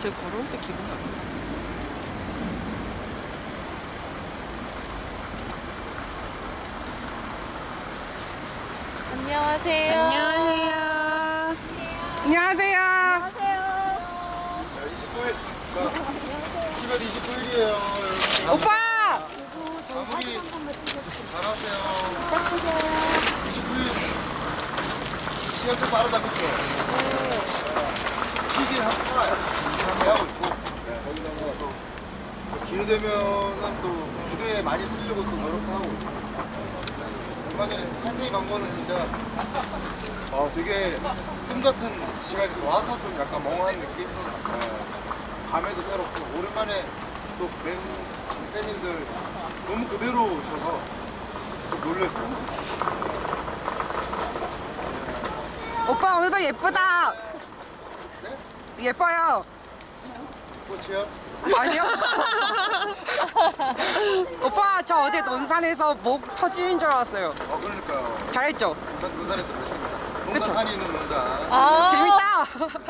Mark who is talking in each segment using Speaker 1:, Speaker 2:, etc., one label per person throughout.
Speaker 1: 저 걸어올 때 기분 나빠.
Speaker 2: 안녕하세요.
Speaker 1: 안녕하세요. 안녕하세요.
Speaker 2: 안녕하세요.
Speaker 3: 29일, 10월 29일이에요.
Speaker 1: 오빠!
Speaker 3: 마무리 잘하세요. 29일 시간 좀 빠르다, 그쵸? 시즌 한번 하고 있고, 거기다가 또 기회 되면은 또 무대에 많이 쓰려고 또 노력하고 있고. 얼마 전에 타이페이 간 거는 진짜 되게 꿈 같은 시간에서 와서 좀 약간 멍한 느낌? 감회도 새롭고 오랜만에 또 팬님들 너무 그대로 오셔서 좀 놀랐어요.
Speaker 1: 오빠 오늘도 예쁘다.
Speaker 3: 네?
Speaker 1: 예뻐요.
Speaker 3: 꽃이요?
Speaker 1: 아니요. 오빠 저 어제 논산에서 목 터지는 줄 알았어요.
Speaker 3: 그러니까요.
Speaker 1: 잘했죠?
Speaker 3: 전 논산에서 뵀습니다.
Speaker 1: 그쵸?
Speaker 3: 논산산이 있는 논산.
Speaker 2: 아,
Speaker 1: 재밌다.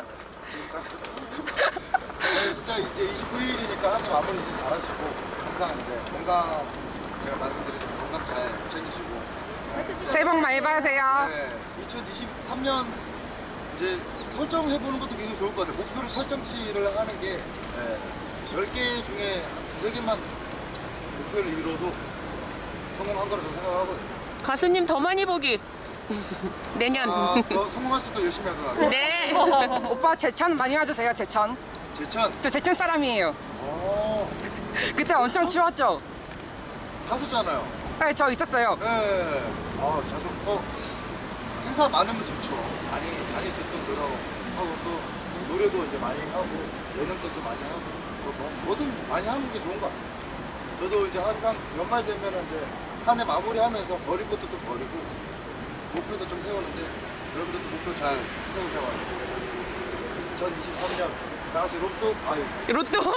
Speaker 3: 네, 진짜 이제 29일이니까 한 해 마무리 이제 잘하시고 항상 이제 건강 제가 말씀드리는 건강 잘 챙기시고
Speaker 1: 새해 복 많이 받으세요.
Speaker 3: 네, 2023년 이제 설정해보는 것도 굉장히 좋을 것 같아요. 목표를 설정치를 하는 게 10개 중에 두세 개만 목표를 이뤄도 성공한 거라 저는 생각하거든요.
Speaker 1: 가수님 더 많이 보기. 내년.
Speaker 3: 더 성공할 수 있도록 열심히 하더라고요.
Speaker 1: 네. 오빠 제천 많이 와주세요. 제천.
Speaker 3: 제천.
Speaker 1: 저 제천 사람이에요. 그때 엄청 추웠죠?
Speaker 3: 가수잖아요.
Speaker 1: 네, 저 있었어요.
Speaker 3: 네. 자주 행사 많으면 좋죠. 많이 다닐 수 있도록 노력하고 또 노래도 이제 많이 하고 예능도 좀 많이 하고 또 뭐든 많이 하는 게 좋은 것 같아요. 저도 이제 항상 연말 되면 이제 한 해 마무리하면서 버릴 것도 좀 버리고 목표도 좀 세우는데 여러분들도 목표 잘 세우셔가지고 2023년 나같이 로또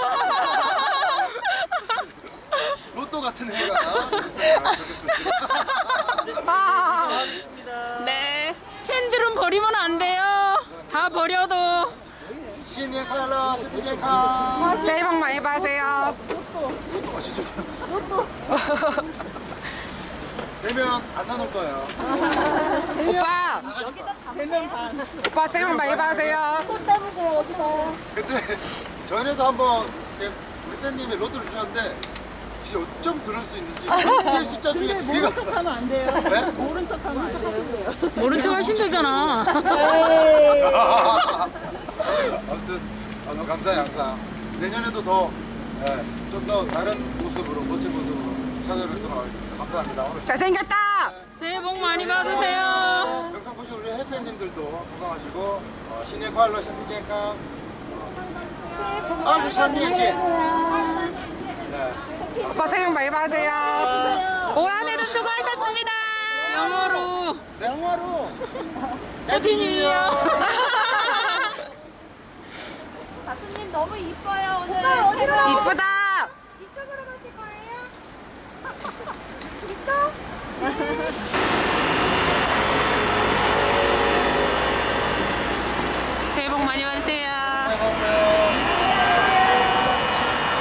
Speaker 3: 로또 같은 해가 됐으면 좋겠습니다.
Speaker 1: 네.
Speaker 2: 팬들은 버리면 안 돼요. 다 버려도.
Speaker 3: 신년快乐, 신년 카.
Speaker 1: 새해 복 많이 받으세요.
Speaker 3: 로또 진짜. 로또. 되면 안 나눌 거예요.
Speaker 1: 오빠. 오빠 새해 복 많이 받으세요.
Speaker 3: 근데 전에도 한번 이렇게 우리 팬님이 로또를 주셨는데 진짜 어쩜 그럴 수 있는지 제 숫자 중에 두 개가
Speaker 4: 하면 안 돼요.
Speaker 3: 네?
Speaker 4: 모른 척 하면 안 돼요.
Speaker 2: 모른 척 하신다잖아.
Speaker 3: 아무튼 너무 감사해요 항상. 내년에도 더 좀 더 다른 모습으로 멋진 모습으로 찾아뵙도록 하겠습니다. 감사합니다. 오늘
Speaker 1: 잘생겼다.
Speaker 2: 새해 복 많이 받으세요.
Speaker 3: 영상 보신 우리 해팬님들도 건강하시고 신년 快乐, 身体健康. 24年见. 네.
Speaker 1: 오빠 새해 복 많이 받으세요. 올 한 해도 수고하셨습니다.
Speaker 2: 영어로.
Speaker 4: 영어로.
Speaker 2: 해피 뉴 이어.
Speaker 5: 가수님 너무 이뻐요 오늘.
Speaker 1: 이쁘다.
Speaker 5: 이쪽으로 가실 거예요? 이쪽?